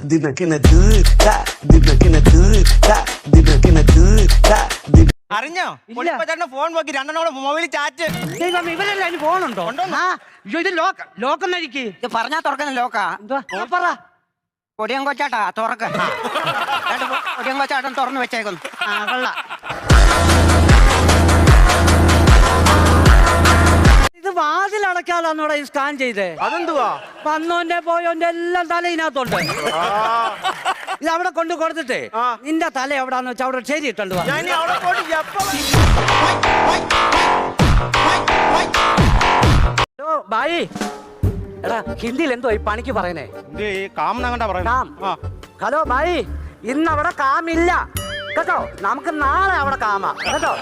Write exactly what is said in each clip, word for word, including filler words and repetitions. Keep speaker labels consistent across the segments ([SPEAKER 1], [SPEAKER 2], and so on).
[SPEAKER 1] അറിഞ്ഞോ ഫോൺ നോക്കി രണ്ടെണ്ണോടെ mobile chat
[SPEAKER 2] ഇവരല്ല അതിന് ഫോണുണ്ടോ ഇത് ലോക്ക് ലോക്ക് നഴിക്ക്
[SPEAKER 3] ഇത് പറഞ്ഞാ തുറക്കുന്ന ലോക്കാ
[SPEAKER 2] എന്തുവാ പറ
[SPEAKER 3] കൊടിയൻ കൊച്ചാട്ടാ തുറക്ക കൊടിയൻ കൊച്ചാട്ടൻ തുറന്നു വെച്ചേക്കുന്നു
[SPEAKER 2] ആ കൊള്ള ഇത് വാതിൽ അടയ്ക്കാതാന്നോടെ ഈ സ്കാൻ ചെയ്തേ
[SPEAKER 1] അതെന്തുവാ
[SPEAKER 2] വന്നോന്റെ പോയോന്റെ എല്ലാം തല ഇതിനകത്തുണ്ട് ഇത് അവിടെ കൊണ്ട് കൊടുത്തിട്ടേ നിന്റെ തല എവിടാന്ന് വെച്ചാൽ അവിടെ ശരി ഇട്ടുണ്ട് ബായി എടാ ഹിന്ദിയിൽ എന്തോ ഈ പണിക്ക് പറയണേ ഹലോ ബായി ഇന്ന് അവിടെ കാമില്ല കേട്ടോ നമുക്ക് നാളെ അവിടെ കാമാ കേട്ടോ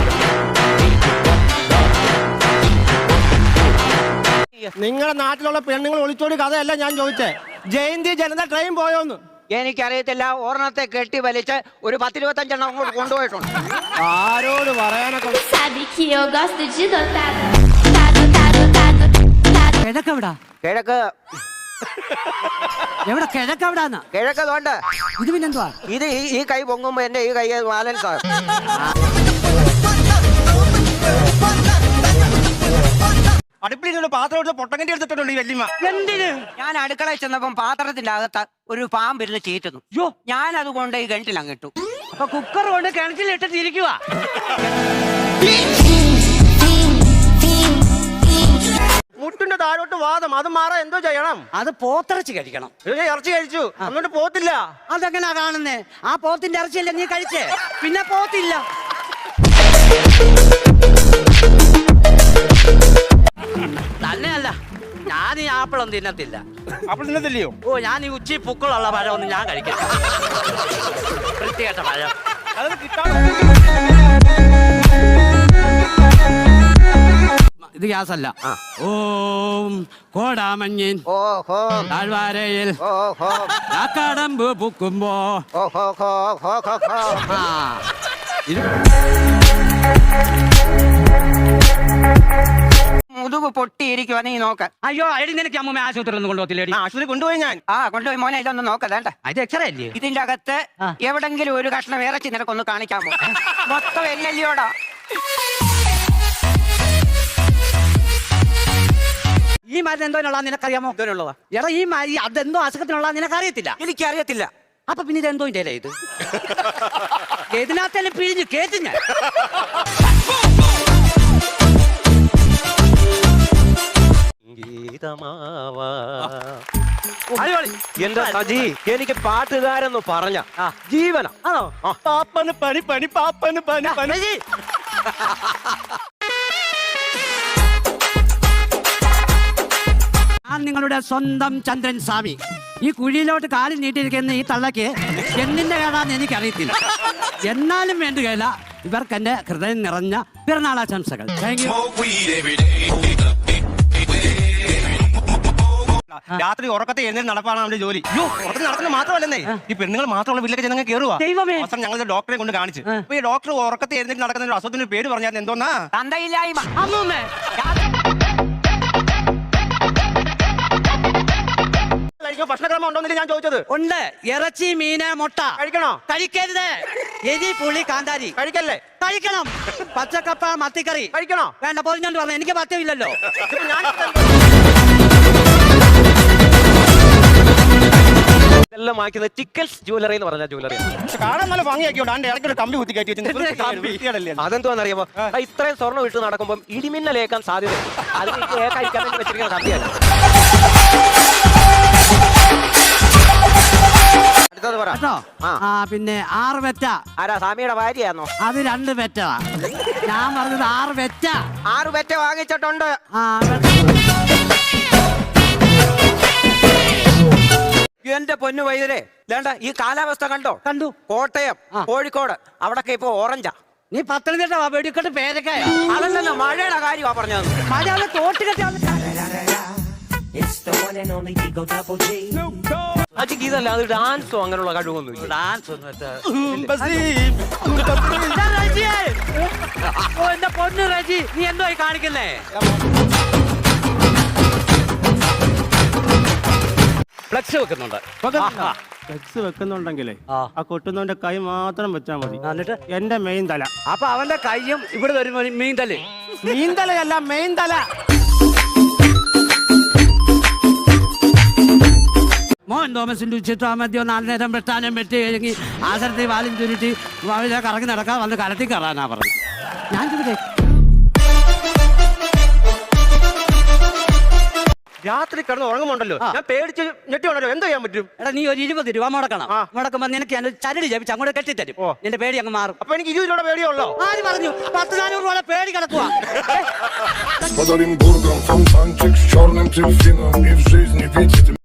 [SPEAKER 1] നിങ്ങളുടെ നാട്ടിലുള്ള പെണ്ണുങ്ങൾ ഒളിച്ചോടി കഥയല്ല ഞാൻ ചോദിച്ചേ ജയന്തി ജനത ട്രെയിൻ പോയോന്ന്
[SPEAKER 3] എനിക്കറിയത്തില്ല ഓർണത്തെ കെട്ടി വലിച്ച് ഒരു പത്തിരുപത്തഞ്ചെണ്ണം അങ്ങോട്ട് കൊണ്ടുപോയിട്ടുണ്ട്
[SPEAKER 1] ആരോട് പറയാനൊക്കെ
[SPEAKER 2] കിഴക്കെവിടാ
[SPEAKER 3] കിഴക്ക്
[SPEAKER 2] എവിടെ കിഴക്കെവിടാന്ന്
[SPEAKER 3] കിഴക്ക് തോണ്ട്
[SPEAKER 2] ഇത് പിന്നെന്തുവാ
[SPEAKER 3] ഇത് ഈ കൈ പൊങ്ങുമ്പോ എന്റെ ഈ കൈ ബാലൻസ് ആകും
[SPEAKER 1] അടുപ്പിൽ പാത്രം പൊട്ടങ്കണ്ടി എടുത്തിട്ടുണ്ട് ഈ വല്യമ്മ
[SPEAKER 3] എന്തിന് ഞാൻ അടുക്കളയിൽ ചെന്നപ്പം പാത്രത്തിന്റെ അകത്ത് ഒരു പാമ്പിരുന്ന് ചീറ്റുന്നു യോ ഞാൻ അതുകൊണ്ട് ഈ കിണറ്റിൽ അങ്ങിട്ടു
[SPEAKER 2] അപ്പൊ കുക്കർ കൊണ്ട് കിണറ്റിലിട്ടിട്ട് ഇരിക്കുക
[SPEAKER 1] മുട്ടിന്റെ താഴോട്ട് വാദം അത് മാറാൻ എന്തോ ചെയ്യണം
[SPEAKER 2] അത് പോത്തിറച്ചി കഴിക്കണം
[SPEAKER 1] ഇറച്ചി കഴിച്ചു അങ്ങോട്ട് പോത്തില്ല
[SPEAKER 2] അതെങ്ങനാ കാണുന്നേ ആ പോത്തിന്റെ ഇറച്ചിയല്ലേ നീ കഴിച്ചേ പിന്നെ പോത്തില്ല തന്നെയല്ല ഞാൻ ഈ ആപ്പിളൊന്നും തിന്നത്തില്ല
[SPEAKER 1] ആപ്പിൾ തിന്നത്തില്ലയോ
[SPEAKER 2] ഓ ഞാൻ ഈ ഉച്ചി പുക്കളുള്ള പഴമൊന്നും ഞാൻ കഴിക്കില്ല വൃത്തികെട്ട പഴം
[SPEAKER 1] അത് കിട്ടാൻ
[SPEAKER 2] ഇത് ഗ്യാസല്ല ഓം കോടാമഞ്ഞിൻ താഴ്വാരയിൽ കടമ്പ് പൂക്കുമ്പോ
[SPEAKER 3] മുതുക് പൊട്ടിയിരിക്കുവാ നീ നോക്ക
[SPEAKER 2] അയ്യോ അടി നിനക്ക് അമ്മ ആശുപത്രി ഒന്നും കൊണ്ടുപോകത്തില്ല
[SPEAKER 1] ആശുപത്രി കൊണ്ടുപോയി ഞാൻ
[SPEAKER 3] ആ കൊണ്ടുപോയി മോനെ ഇതൊന്ന് നോക്കതേണ്ട
[SPEAKER 2] ഇത് എക്സ്റേ അല്ലേ
[SPEAKER 3] ഇതിന്റെ അകത്ത് എവിടെങ്കിലും ഒരു കഷ്ണം ഇറച്ചി നിനക്കൊന്ന് കാണിക്കാമോ മൊത്തം എല്ലല്ലിയോടാ
[SPEAKER 2] ഈ മരുന്ന് എന്തോനുള്ള നിനക്കറിയാമോ എന്തോന്നുള്ളതാ എടാ ഈ മരി അതെന്തോ അസുഖത്തിനുള്ള നിനക്കറിയത്തില്ല
[SPEAKER 3] എനിക്കറിയത്തില്ല
[SPEAKER 2] അപ്പൊ പിന്നെ ഇതെന്തോ ഇല്ലേ ഇത് ഇതിനകത്തല്ലേ പിഴിഞ്ഞ് കേട്ടു ഞാൻ
[SPEAKER 4] എന്റെ സജി എനിക്ക് പാട്ടുകാരെന്ന് പറഞ്ഞ ജീവന
[SPEAKER 2] ആണോ
[SPEAKER 1] പാപ്പന് പണി പണി പാപ്പന് പണി പണി
[SPEAKER 2] ഞാൻ നിങ്ങളുടെ സ്വന്തം ചന്ദ്രൻ സ്വാമി ഈ കുഴിയിലോട്ട് കാലിൽ നീട്ടിയിരിക്കുന്ന ഈ തള്ളക്ക് എന്തിന്റെ കേടാന്ന് എനിക്കറിയത്തില്ല എന്നാലും വേണ്ടുകയില്ല ഇവർക്ക് എന്റെ ഹൃദയം നിറഞ്ഞ പിറന്നാളാശംസകൾ താങ്ക് യു
[SPEAKER 1] രാത്രി ഉറക്കത്തെ എഴുന്നേറ്റ് നടപ്പാണ് നമ്മുടെ ജോലി ഉറക്കത്തിൽ നടക്കുന്നത് മാത്രമല്ലെന്നേ ഈ പെണ്ണുങ്ങൾ മാത്രമുള്ള വീട്ടിലേക്ക് ജനങ്ങൾ കയറുക അവസാനം ഞങ്ങൾ ഡോക്ടറെ കൊണ്ട് കാണിച്ചു അപ്പൊ ഈ ഡോക്ടർ ഉറക്കത്തെ എഴുന്നേറ്റ് നടക്കുന്ന ഒരു അസുഖത്തിന്റെ പേര് പറഞ്ഞാൽ എന്തോന്നാ
[SPEAKER 3] തന്തയില്ലായ്മ
[SPEAKER 1] ഭക്ഷണക്രമം ഉണ്ടോന്നില്ല ഞാൻ ചോദിച്ചത്
[SPEAKER 2] ഉണ്ട് ഇറച്ചി മീന് മുട്ട
[SPEAKER 1] കഴിക്കണോ
[SPEAKER 2] കഴിക്കരുത് എരി പുളി കാന്താരി
[SPEAKER 1] കഴിക്കല്ലേ
[SPEAKER 2] കഴിക്കണം പച്ചക്കപ്പ മത്തിക്കറി
[SPEAKER 1] കഴിക്കണോ
[SPEAKER 2] വേണ്ട പൊതിഞ്ഞോണ്ട് പറഞ്ഞു എനിക്ക് പത്യമില്ലല്ലോ
[SPEAKER 4] ഇതെല്ലാം വാങ്ങിക്കുന്ന ടിക്കൽസ് ജ്വല്ലറി എന്ന് പറഞ്ഞ ജ്വല്ലറി
[SPEAKER 1] കാണാൻ നല്ല ഭംഗിയാക്കിയോണ്ട് ഇടയ്ക്ക് ഒരു കമ്പി കുത്തി കയറ്റി
[SPEAKER 4] അതെന്തോന്നറിയാമോ ഇത്രയും സ്വർണ്ണം ഇട്ട് നടക്കുമ്പോൾ ഇടിമിന്നലേക്കാൻ സാധ്യത അത് ഏകായിരിക്കാൻ വെച്ചിരിക്കുന്ന കമ്പിയാണ്
[SPEAKER 2] പിന്നെ ആറ് പെറ്റ
[SPEAKER 3] ആരാ സ്വാമിയുടെ ഭാര്യയാന്നോ
[SPEAKER 2] അത് രണ്ട് പെറ്റ ഞാൻ പറഞ്ഞത് ആറ് പെറ്റ
[SPEAKER 3] ആറ് പെറ്റ വാങ്ങിച്ചിട്ടുണ്ട് എന്റെ പൊന്നു വൈദ്യരെ വേണ്ട ഈ കാലാവസ്ഥ കണ്ടോ
[SPEAKER 2] കണ്ടു
[SPEAKER 3] കോട്ടയം കോഴിക്കോട് അവിടൊക്കെ ഇപ്പൊ ഓറഞ്ചാ
[SPEAKER 2] നീ പത്തനംതിട്ട വെടിക്കെട്ട് പേരക്കായ
[SPEAKER 3] അതല്ലല്ലോ മഴയുടെ കാര്യമാ പറഞ്ഞത്
[SPEAKER 2] മഴ തോട്ട് കെട്ടി
[SPEAKER 4] അജിക്ക് ഇതല്ല അത് ഡാൻസോ അങ്ങനെയുള്ള കഴിവൊന്നും
[SPEAKER 2] ഡാൻസ് എന്റെ പൊന്നു റജി നീ എന്തോ കാണിക്കുന്നേ
[SPEAKER 4] ഫ്ലെക്സ് വെക്കുന്നുണ്ട്
[SPEAKER 1] ഫ്ലെക്സ് വെക്കുന്നുണ്ടെങ്കിലേ
[SPEAKER 2] ആ.
[SPEAKER 1] ആ കൊട്ടുന്നവന്റെ കൈ മാത്രം വെച്ചാൽ മതി.
[SPEAKER 2] ആ, എന്നിട്ട്
[SPEAKER 1] എന്റെ മെയിൻ തല.
[SPEAKER 2] അപ്പൊ അവന്റെ കൈയും ഇവിടെ വരുമ്പോ മീൻ തല്ലേ.
[SPEAKER 1] മീൻ തലയല്ല, മെയിൻ തല.
[SPEAKER 2] മോൻ തോമസിന്റെ ഉച്ചിട്ടാ മതിയോ നാല് നേരം വെട്ടാനും വെട്ടി കഴിഞ്ഞ് ആസരത്തിൽ വാലും ചുരുട്ടി വാവിലെ കറങ്ങി നടക്കാൻ വന്ന് കലത്തി കയറാനാ പറഞ്ഞു. ഞാൻ ചുരുട്ടെ
[SPEAKER 1] രാത്രി കിടന്ന് ഉറങ്ങുമുണ്ടല്ലോ, ഞാൻ പേടിച്ച് ഞെട്ടി ഉണ്ടല്ലോ, എന്തോ ചെയ്യാൻ പറ്റും?
[SPEAKER 2] എടാ നീ ഒരു ഇരുപത് രൂപ മുടക്കണം. മുടക്കുമ്പോ നിനക്ക് ഞാൻ ചരട് ജപിച്ച് അങ്ങോട്ട് കെട്ടിത്തരും. നിന്റെ പേടി അങ്ങ് മാറും.
[SPEAKER 1] അപ്പൊ എനിക്ക് ഇരുപത് രൂപ പേടിയുള്ളോ?
[SPEAKER 2] ആര് പറഞ്ഞു? പത്ത് നാനൂറ് രൂപ പേടി കിടക്കുക.
[SPEAKER 5] Под Оренбургом фонтанчик с черным дельфином. И в жизни видите